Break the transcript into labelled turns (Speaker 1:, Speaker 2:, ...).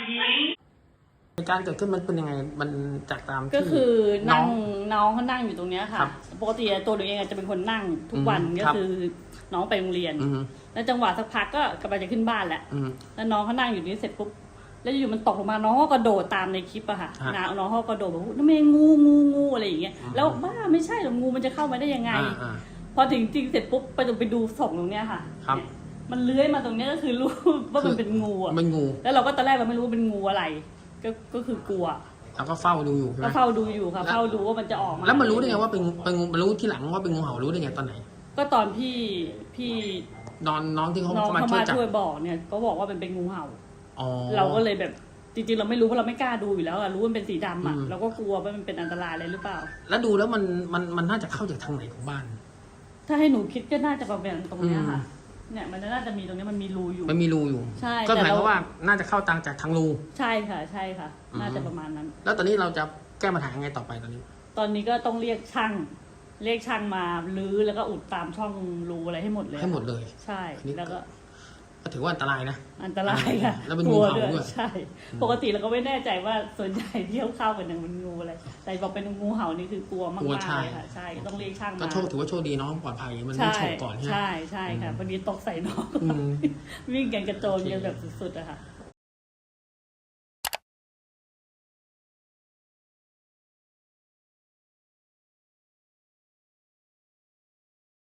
Speaker 1: เหตุการณ์เกิดขึ้นมันเป็นยังไงมันจากตามที่
Speaker 2: ก็คือน้องเขานั่งอยู่ตรงเนี้ย
Speaker 1: ครั
Speaker 2: ค่ะ
Speaker 1: บ
Speaker 2: ปกติตัวหนูเองจะเป็นคนนั่งทุกวันก็
Speaker 1: ครับ
Speaker 2: คือน้องไปโรงเรียน แล้วจังหวะสักพักก็กำลังจะขึ้นบ้านแหละแล้วน้องเขานั่งอยู่นี่เสร็จปุ๊บแล้วอยู่มันตกลงมาน้องก็กระโดดตามในคลิปอะค่ะน้องเขากระโดดแบบน้ำเมงูอะไรอย่างเงี้ยแล้วบ้าไม่ใช่หรอกงูมันจะเข้ามาได้ยังไงพอถึงจริงเสร็จปุ๊บไปดูศพตรงเนี้ยค่ะมันเลื้อยมาตรงเนี้ยก็คือรู้ว่ามันเป็นงูอะ
Speaker 1: เป็นงู
Speaker 2: แล้วเราก็ตอนแรกเราไม่รู้ว่าเป็นงูอะไรก็คือกลัว
Speaker 1: แล้วก็เฝ้าดูอยู่ใช่ไหม
Speaker 2: ก็เฝ้าดูอยู่ค่ะเฝ้าดูว่ามันจะออกมา
Speaker 1: แล้วมันรู้ได้ไงว่าเป็นงูมันรู้ที่หลังว่าเป็นงูเห่ารู้ได้ไงตอนไหน
Speaker 2: ก็ตอนพี่
Speaker 1: น้องที่เขา
Speaker 2: น้อง
Speaker 1: มา
Speaker 2: เขา
Speaker 1: ช่วย
Speaker 2: มา
Speaker 1: จับ
Speaker 2: ช่วยบอกเนี่ยก็บอกว่าเป็นงูเห่า
Speaker 1: อ๋อ
Speaker 2: เราก็เลยแบบจริงๆเราไม่รู้เพราะเราไม่กล้าดูอยู่แล้วอะรู้ว่ามันเป็นสีดำอะเราก็กลัวว่ามันเป็นอันตรายอะไรหรือเปล่า
Speaker 1: แล้วดูแล้วมันน่าจะเข้าจากทางไหนของบ้าน
Speaker 2: ถ้าให้หนูคิดก็น่าจะประมาณตรงเนี้ยค่ะเนี่ยมันน่าจะมีตรงนี้มันมีรูอยู่
Speaker 1: มันมีรูอยู่
Speaker 2: ใช่
Speaker 1: ก็หมายความว่าน่าจะเข้าจากทางรู
Speaker 2: ใช่ค่ะน่าจะประมาณนั้น
Speaker 1: แล้วตอนนี้เราจะแก้ปัญหายังไงต่อไปตอนนี้
Speaker 2: ก็ต้องเรียกช่างมาลื้อแล้วก็อุดตามช่องรูอะไรให้หมดเลยใช่แล้วก็
Speaker 1: ถือว่าอันตรายนะ
Speaker 2: อันตรายค่ะ
Speaker 1: แล้วเป็นงูเห่าด้วย
Speaker 2: ใช่ปกติเราก็ไม่แน่ใจว่าส่วนใหญ่ที่เข้าเป็นมันงูอะไรแต่บอกเป็นงูเห่านี่คือกลัวมากเลยค่ะใช่ต้องเรียกช่างมา
Speaker 1: ก็ถือว่าโชคดีน้องปลอดภัยมันไม่ฉกก่อนใช่ไหม
Speaker 2: ใช่ค่ะพอดีตกใส่น้องวิ่งกันกระโจนกันแบบสุดๆอะค่ะ